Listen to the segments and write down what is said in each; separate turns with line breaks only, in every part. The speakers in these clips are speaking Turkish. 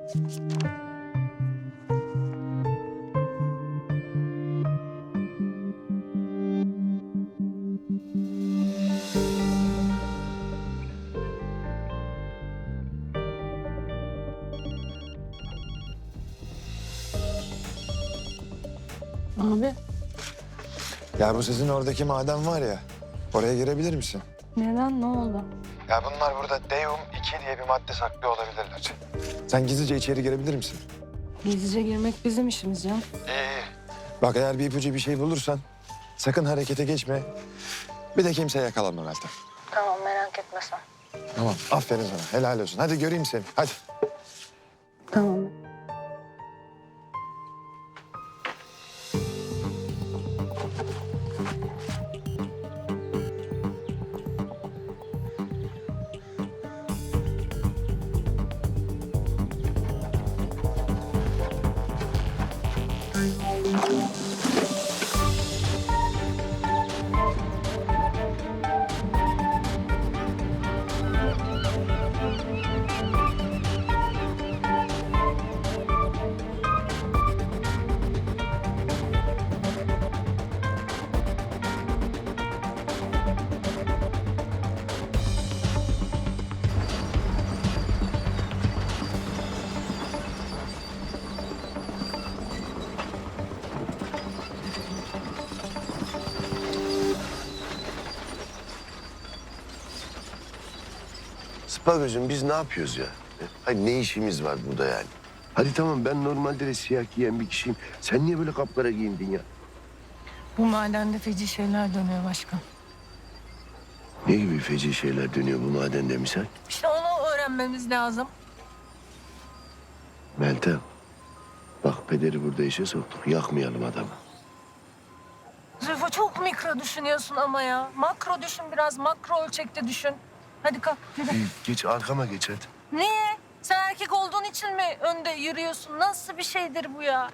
Abi.
Ya bu sizin oradaki maden var ya, oraya girebilir misin?
Neden? Ne oldu?
Ya bunlar burada Deum 2 diye bir madde saklıyor olabilirler. Sen gizlice içeri girebilir misin?
Gizlice girmek bizim işimiz canım.
İyi. Bak eğer bir ipucu bir şey bulursan sakın harekete geçme. Bir de kimse yakalanma Meltem.
Tamam, merak etme sen.
Tamam, aferin sana. Helal olsun. Hadi göreyim seni. Hadi.
Tamam.
Spagöz'üm biz ne yapıyoruz ya? Hayır ne işimiz var burada yani? Hadi tamam ben normalde de siyah giyen bir kişiyim. Sen niye böyle kapkara giyindin ya?
Bu madende feci şeyler dönüyor başkan.
Ne gibi feci şeyler dönüyor bu madende misal?
İşte onu öğrenmemiz lazım.
Meltem. Bak pederi burada işe soktuk. Yakmayalım adamı.
Zülfü çok mikro düşünüyorsun ama ya. Makro düşün biraz, makro ölçekte düşün. Hadi kalk, yürü.
Geç arkama geç hadi.
Niye? Sen erkek olduğun için mi önde yürüyorsun? Nasıl bir şeydir bu ya?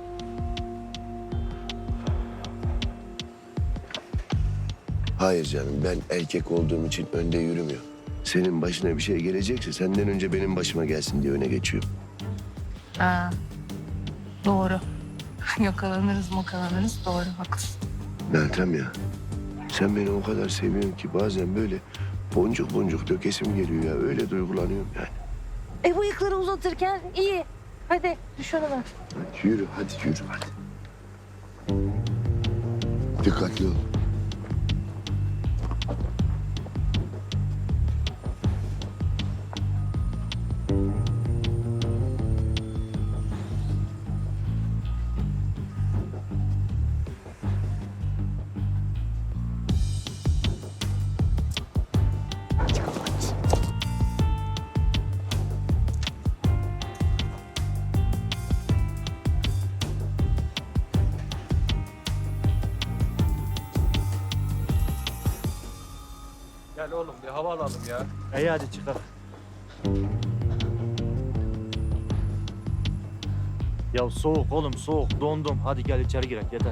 Hayır canım ben erkek olduğum için önde yürümüyorum. Senin başına bir şey gelecekse senden önce benim başıma gelsin diye öne geçiyorum.
Ha, doğru. Yakalanırız, doğru, haklısın.
Meltem ya. Sen beni o kadar seviyorsun ki bazen böyle boncuk boncuk dökesim geliyor ya. Öyle duygulanıyorum yani.
Bıyıkları uzatırken iyi. Hadi düş önüme.
Hadi yürü hadi. Dikkatli ol.
Gel oğlum bir hava alalım ya.
İyi hadi çıkalım. Ya soğuk oğlum soğuk dondum. Hadi gel içeri girek yeter.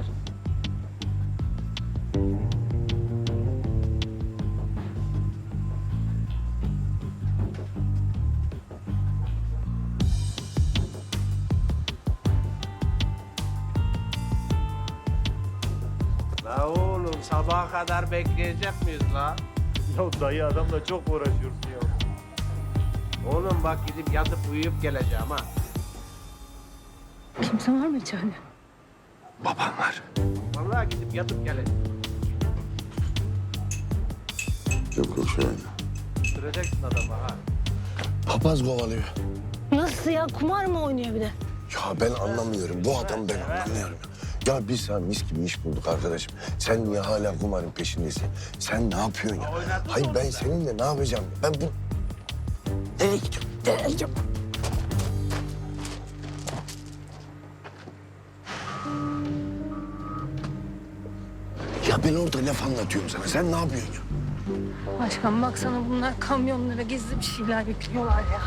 La oğlum sabaha kadar bekleyecek miyiz la?
Ya dayı adamla çok uğraşıyorsun ya.
Oğlum bak gidip yatıp uyuyup geleceğim ha.
Kimse var mı içeride?
Babam var.
Vallahi gidip yatıp geleceğim.
Yok şöyle.
Süreceksin adamı ha.
Papaz kovalıyor.
Nasıl ya? Kumar mı oynuyor bir de?
Ya ben anlamıyorum. Bu adamı ben anlamıyorum. Ya biz sana mis gibi iş bulduk arkadaşım. Sen niye hala kumarın peşindesin? Sen ne yapıyorsun ya?
Oynadın
Hayır
onu
ben
da.
seninle ne yapacağım? Ben bu... Nereye gidiyorum? Nereye gidiyorum? Ya ben orada laf anlatıyorum sana. Sen ne yapıyorsun ya?
Başkan baksana bunlar kamyonlara gizli bir şeyler yüklüyorlar ya.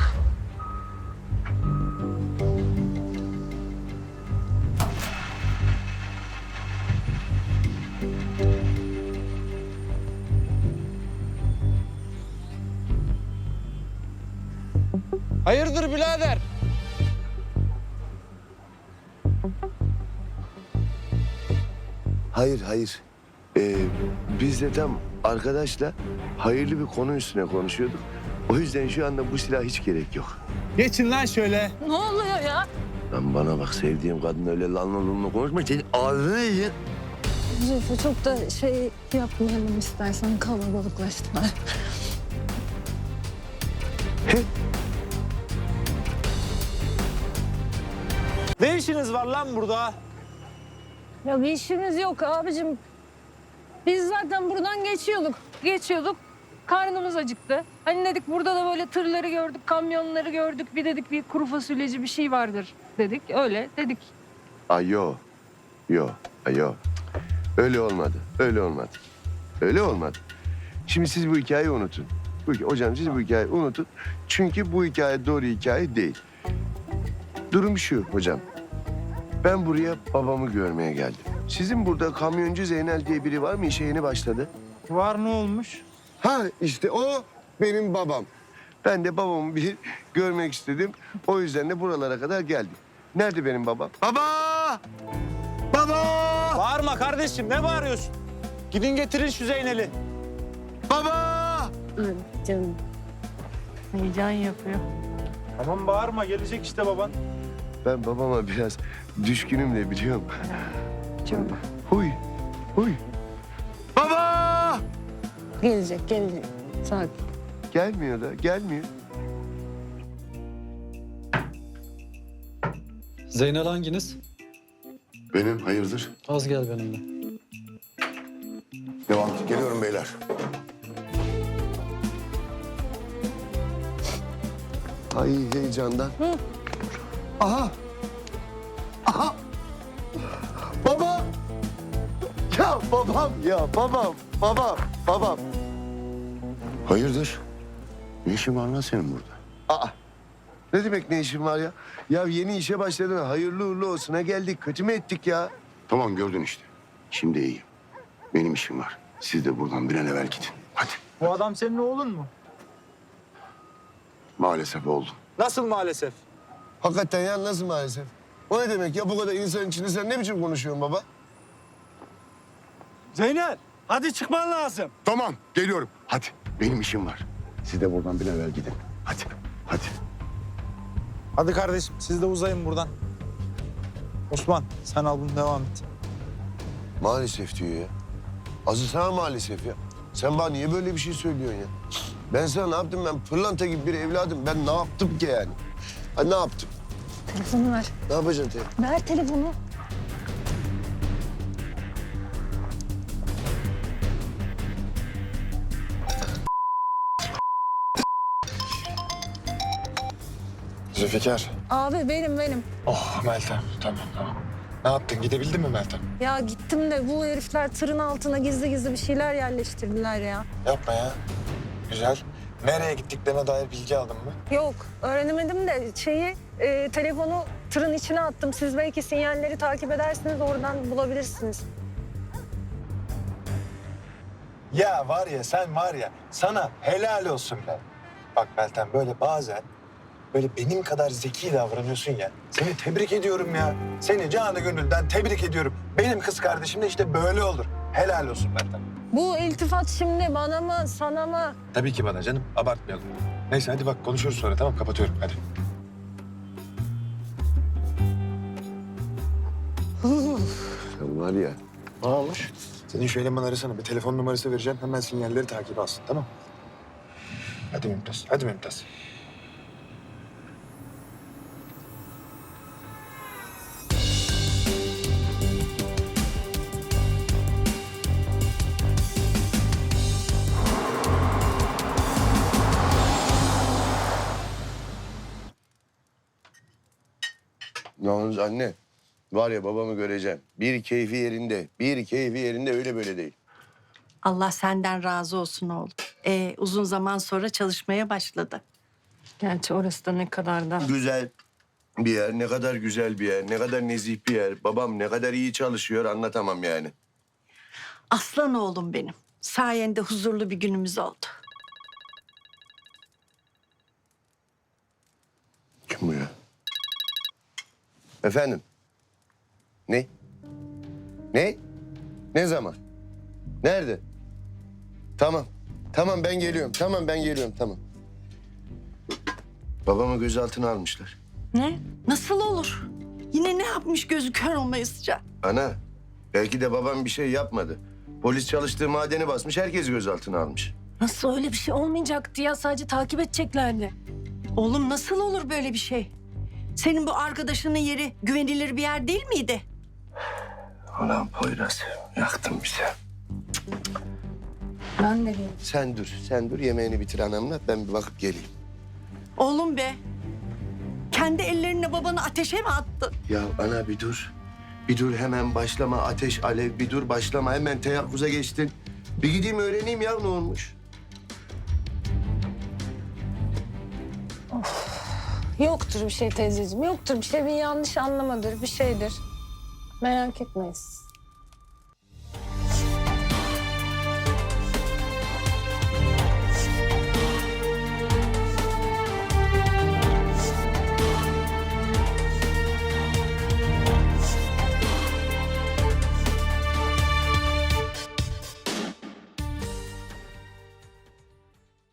Hayırdır birader?
Hayır, hayır. Biz de tam arkadaşla hayırlı bir konu üstüne konuşuyorduk. O yüzden şu anda bu silah hiç gerek yok.
Geçin lan şöyle.
Ne oluyor ya?
Lan bana bak, sevdiğim kadın öyle lanla konuşma. Senin ağzını yiyeceksin.
Zülfü çok da şey yapmayalım istersen kalabalıklaştılar.
Ne işiniz var lan burada?
Ya bir işimiz yok abicim. Biz zaten buradan geçiyorduk. Karnımız acıktı. Hani dedik burada da böyle tırları gördük, kamyonları gördük. Bir dedik bir kuru fasulyeci bir şey vardır dedik. Öyle dedik.
Ay yo. Öyle olmadı. Öyle olmadı. Şimdi siz bu hikayeyi unutun. Hocam siz bu hikayeyi unutun. Çünkü bu hikaye doğru hikaye değil. Durum şu hocam. Ben buraya babamı görmeye geldim. Sizin burada kamyoncu Zeynel diye biri var mı? İşe yeni başladı.
Var ne olmuş?
Ha işte o benim babam. Ben de babamı bir görmek istedim. O yüzden de buralara kadar geldim. Nerede benim babam? Baba! Baba!
Bağırma kardeşim ne bağırıyorsun? Gidin getirin şu Zeynel'i.
Baba!
Canım.
Heyecan yapıyor.
Tamam bağırma gelecek işte baban.
Ben babama biraz düşkünüm de biliyorum.
Çok.
Huy. Baba!
Gelecek. Sakin.
Gelmiyor.
Zeynel hanginiz?
Benim hayırdır?
Az gel benimle.
Devam. Geliyorum beyler. Ay heyecandan. Aha. Baba. Babam. Hayırdır? Ne işin var lan senin burada? Aa. Ne demek ne işin var ya? Ya yeni işe başladın. Hayırlı uğurlu olsuna geldik. Kötü mü ettik ya?
Tamam gördün işte. Şimdi iyiyim. Benim işim var. Siz de buradan bir an evvel gidin. Hadi.
Bu adam senin oğlun mu?
Maalesef oldu.
Nasıl maalesef?
Hakikaten ya nasıl maalesef? O ne demek ya bu kadar insan içinde sen ne biçim konuşuyorsun baba?
Zeynel hadi çıkman lazım.
Tamam geliyorum. Hadi benim işim var. Siz de buradan bir an evvel gidin. Hadi.
Hadi kardeşim siz de uzayın buradan. Osman sen al bunu devam et.
Maalesef diyor ya. Azı sana maalesef ya. Sen bana niye böyle bir şey söylüyorsun ya? Ben sana ne yaptım? Ben pırlanta gibi bir evladım. Ben ne yaptım ki yani? Ha, ne yaptım?
Telefonu ver.
Ne yapacaksın te?
Ver telefonu.
Zülfikar.
Abi benim.
Oh Meltem. Tamam. Ne yaptın? Gidebildin mi Meltem?
Ya gittim de bu herifler tırın altına gizli bir şeyler yerleştirdiler ya.
Yapma ya. Güzel. Nereye gittiklerine dair bilgi aldın mı?
Yok öğrenemedim de telefonu tırın içine attım. Siz belki sinyalleri takip edersiniz oradan bulabilirsiniz.
Ya var ya sen var ya sana helal olsun be. Bak Meltem böyle bazen böyle benim kadar zeki davranıyorsun ya. Seni tebrik ediyorum ya. Seni canı gönülden tebrik ediyorum. Benim kız kardeşim de işte böyle olur. Helal olsun Meltem.
Bu iltifat şimdi bana mı sana mı?
Tabii ki bana canım. Abartmayalım. Neyse hadi bak konuşuruz sonra tamam kapatıyorum hadi.
Sen var ya.
Ne olmuş? Senin şu elemanı arasana. Bir telefon numarası vereceğim. Hemen sinyalleri takip alsın tamam. Hadi Mümtaz.
Yalnız anne. Var ya babamı göreceğim. Bir keyfi yerinde öyle böyle değil.
Allah senden razı olsun oğlum. Uzun zaman sonra çalışmaya başladı.
Gerçi orası da ne kadar da.
Güzel bir yer, ne kadar güzel bir yer, ne kadar nezih bir yer. Babam ne kadar iyi çalışıyor anlatamam yani.
Aslan oğlum benim. Sayende huzurlu bir günümüz oldu.
Kim bu ya? Efendim? Ne? Ne zaman? Nerede? Tamam. Tamam ben geliyorum. Tamam ben geliyorum. Tamam. Babamı gözaltına almışlar.
Ne? Nasıl olur? Yine ne yapmış gözü kör olmayısıca?
Ana, belki de babam bir şey yapmadı. Polis çalıştığı madeni basmış, herkes gözaltına almış.
Nasıl öyle bir şey olmayacaktı ya? Sadece takip edeceklerdi.
Oğlum nasıl olur böyle bir şey? Senin bu arkadaşının yeri güvenilir bir yer değil miydi?
Ulan Poyraz, yaktın bizi.
Ben de bilmiyorum.
Sen dur. Yemeğini bitir anamla, ben bir bakıp geleyim.
Oğlum be. Kendi ellerinle babanı ateşe mi attın?
Ya ana bir dur. Bir dur hemen başlama ateş alev, bir dur başlama hemen teyakkuza geçtin. Bir gideyim öğreneyim ya ne olmuş.
Yoktur bir şey teyzeciğim. Yoktur bir şey. Bir yanlış anlamadır, bir şeydir. Merak etmeyiz.